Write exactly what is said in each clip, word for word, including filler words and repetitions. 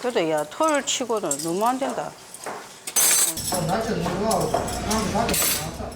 그래도 야, 털 치고는 너무 안 된다. 날짜 너무 좋아하고 나한테 가게 나왔어.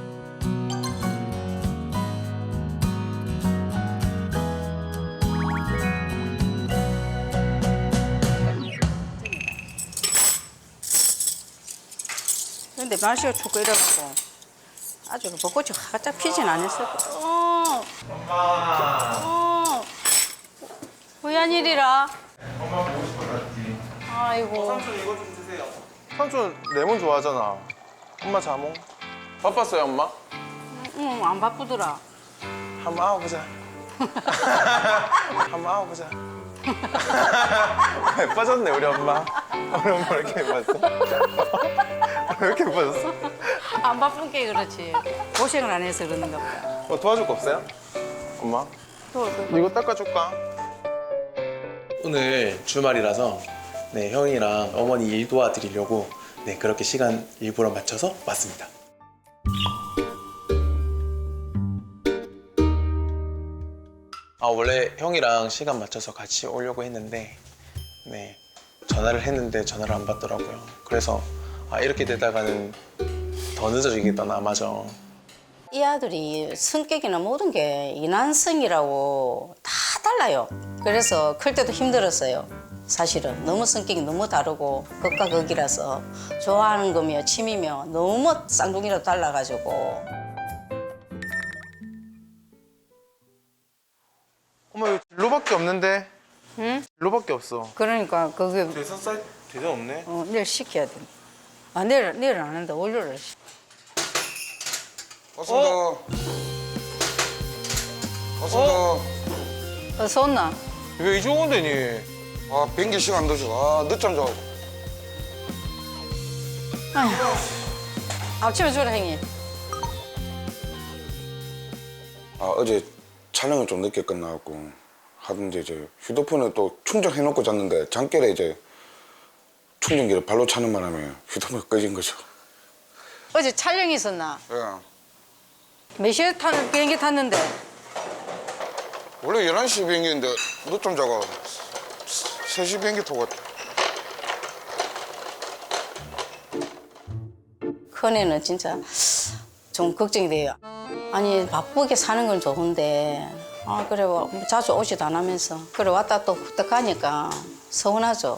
근데 날씨가 춥고 이래갖고 아주 벚꽃이 활짝 피진 않았을 거야. 어. 엄마. 어. 왜한 일이라? 엄마 보고 싶어졌지. 아이고. 삼촌 이거 좀 드세요. 삼촌 레몬 좋아하잖아. 엄마 자몽. 바빴어요 엄마? 응, 안 바쁘더라. 한번 아워보자. 한번 아워보자. 예뻐졌네 우리 엄마. 우리 엄마 왜 이렇게 예뻐졌어? 왜 이렇게 예뻐졌어? 안 바쁜 게 그렇지. 고생을 안 해서 그러는가 보다. 뭐 도와줄 거 없어요? 엄마? 또, 또, 또. 이거 닦아줄까? 오늘 주말이라서 네, 형이랑 어머니 일 도와드리려고 네, 그렇게 시간 일부러 맞춰서 왔습니다. 아, 원래 형이랑 시간 맞춰서 같이 오려고 했는데 네, 전화를 했는데 전화를 안 받더라고요. 그래서 아, 이렇게 되다가는 더 늦어지겠다 아마죠. 이 아들이 성격이나 모든 게 이난성이라고 다 달라요. 그래서 클 때도 힘들었어요. 사실은 너무 성격이 너무 다르고 극과 극이라서 좋아하는 거며 취미며 너무 쌍둥이라도 달라가지고 엄마 이거 진로밖에 없는데? 응? 진로밖에 없어. 그러니까 그게 대선 쌀 대선 없네. 어, 내일 시켜야 돼. 아 내일 내일 안 한다. 월요일. 왔습니다. 왔습니다. 어서 온나? 왜 이쪽 온대니? 아 비행기 시간 늦어. 아 늦잠 자고. 아휴. 아침에 주라 행이. 아 어제 촬영을 좀 늦게 끝나갖고 하던데 이제 휴대폰에 또 충전해놓고 잤는데 잠결에 이제 충전기를 발로 차는 바람에 휴대폰이 꺼진 거죠. 어제 촬영이 있었나? 예. 몇 시에 타는 비행기 탔는데? 원래 열한 시 비행기인데 늦잠 자고 세 시 비행기 타고 왔다. 큰애는 진짜 좀 걱정이 돼요. 아니 바쁘게 사는 건 좋은데 아 그래 뭐 자주 오지도 안 하면서 그래 왔다 또 후딱 가니까 서운하죠.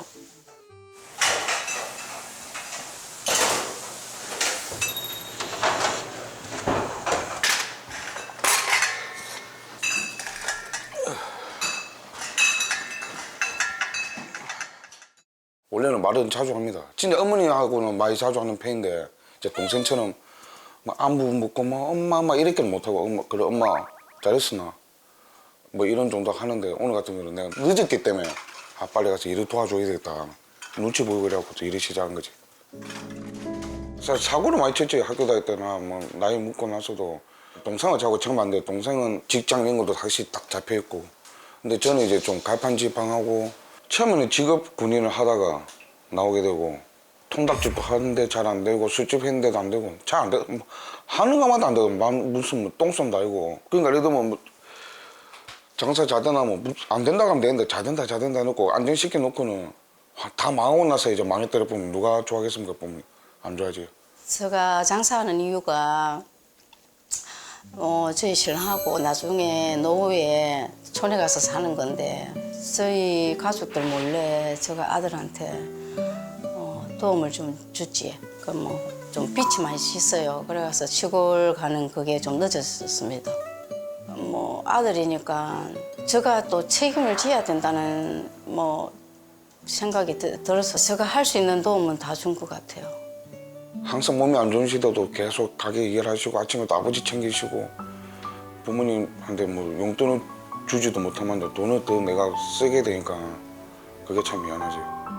원래는 말은 자주 합니다. 진짜 어머니하고는 많이 자주 하는 편인데 제 동생처럼 막 안부 묻고 뭐 엄마 막 이렇게는 못하고 엄마 그래 엄마 잘했으나 뭐 이런 정도 하는데 오늘 같은 경우는 내가 늦었기 때문에 아 빨리 가서 일을 도와줘야 되겠다 눈치 보이고 그래갖고 또 일을 시작한 거지. 사실 사고를 많이 쳤지. 학교 다닐 때나 뭐 나이 먹고 나서도 동생은 자꾸 처음 안 돼. 동생은 직장 이런 것도 다시 딱 잡혀 있고 근데 저는 이제 좀 갈팡질팡하고 처음에는 직업 군인을 하다가 나오게 되고 통닭집도 하는데 잘 안 되고 술집 했는데도 안 되고 잘 안 되고 뭐 하는 것마다 안 되고 무슨 뭐 똥손도 아니고 그러니까 예를 들면 뭐 장사 잘 되나 뭐 안 된다고 하면 되는데 잘 된다 잘 된다 해놓고 안정시켜 놓고는 다 망하고 나서 이제 망했다를 보면 누가 좋아하겠습니까? 보면 안 좋아하지. 제가 장사하는 이유가 어, 저희 신랑하고 나중에 노후에 촌에 가서 사는 건데 저희 가족들 몰래 제가 아들한테 어, 도움을 좀 주지. 그 뭐 좀 빛이 많이 있어요. 그래서 시골 가는 그게 좀 늦어졌습니다. 뭐 아들이니까 제가 또 책임을 져야 된다는 뭐 생각이 드, 들어서 제가 할 수 있는 도움은 다 준 것 같아요. 항상 몸이 안 좋으시다도 계속 가게 일하시고 아침에 또 아버지 챙기시고 부모님한테 뭐 용돈을 주지도 못하면 돈을 더 내가 쓰게 되니까 그게 참 미안하지.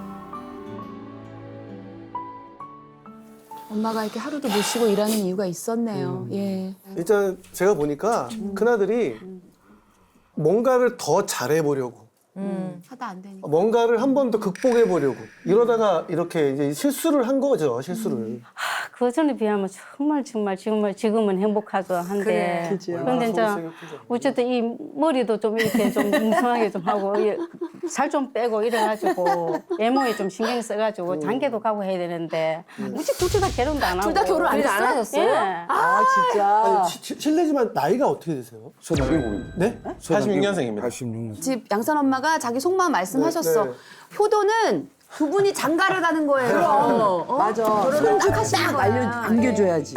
엄마가 이렇게 하루도 못 쉬고 일하는 이유가 있었네요. 예. 일단 제가 보니까 큰아들이 뭔가를 더 잘해보려고 음. 하다 안 되니까. 뭔가를 한 번 더 극복해 보려고 이러다가 이렇게 이제 실수를 한 거죠. 실수를. 그 전에 비하면 정말 정말 지금은 지금은 행복하죠 한데 그런데 이제 어쨌든 이 머리도 좀 이렇게 좀 뭉성하게 좀 하고 살 좀 빼고 이래가지고 외모에 좀 신경 써가지고 장계도 가고 해야 되는데 무지 둘 다 결혼도 안 하고 둘 다 결혼 안 안 했어요? 하셨어요? 예. 아, 진짜. 아니, 시- 시- 실례지만 나이가 어떻게 되세요? 서른일곱입니다. 네? 팔십육 년생입니다. 팔십육 년. 집 양산 엄마가 자기 속마음 말씀하셨어. 네, 네. 효도는 두 분이 장가를 가는 거예요. 어? 맞아. 결혼을 딱 하시는 딱 거야. 알려, 안겨줘야지.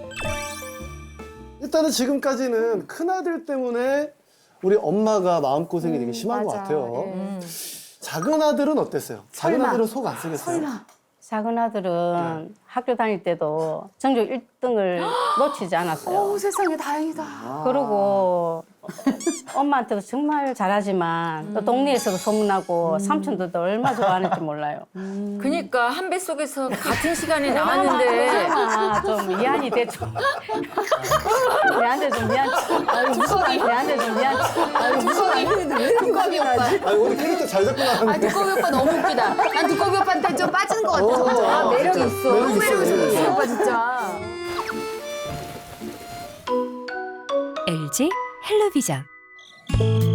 일단은 지금까지는 큰아들 때문에 우리 엄마가 마음고생이 되게 심한 것 맞아. 같아요. 예. 작은 아들은 어땠어요? 작은 설마. 아들은 속 안 쓰겠어요? 작은 아들은 학교 다닐 때도 전교 일 등을 놓치지 않았어요. 오, 세상에 다행이다. 그리고 엄마한테도 정말 잘하지만 또 동네에서도 소문나고 삼촌들도 얼마 좋아하는지 몰라요. 그니까 한 배 속에서 같은 시간에 나왔는데. 아, 좀 미안이 되죠. 얘한테 좀 미안. 무서워. 얘한테 좀 미안. 두꺼비 오빠. 아니, 오늘 캐릭터 잘 잡고 아, 나왔는데. 두꺼비 오빠 너무 웃기다. 난 두꺼비 오빠한테 좀 빠지는 것 같아. 어, 매력 진짜. 있어. 매력 있어. 매력 있어, 매력 있어. 오빠 진짜. 엘지 헬로비전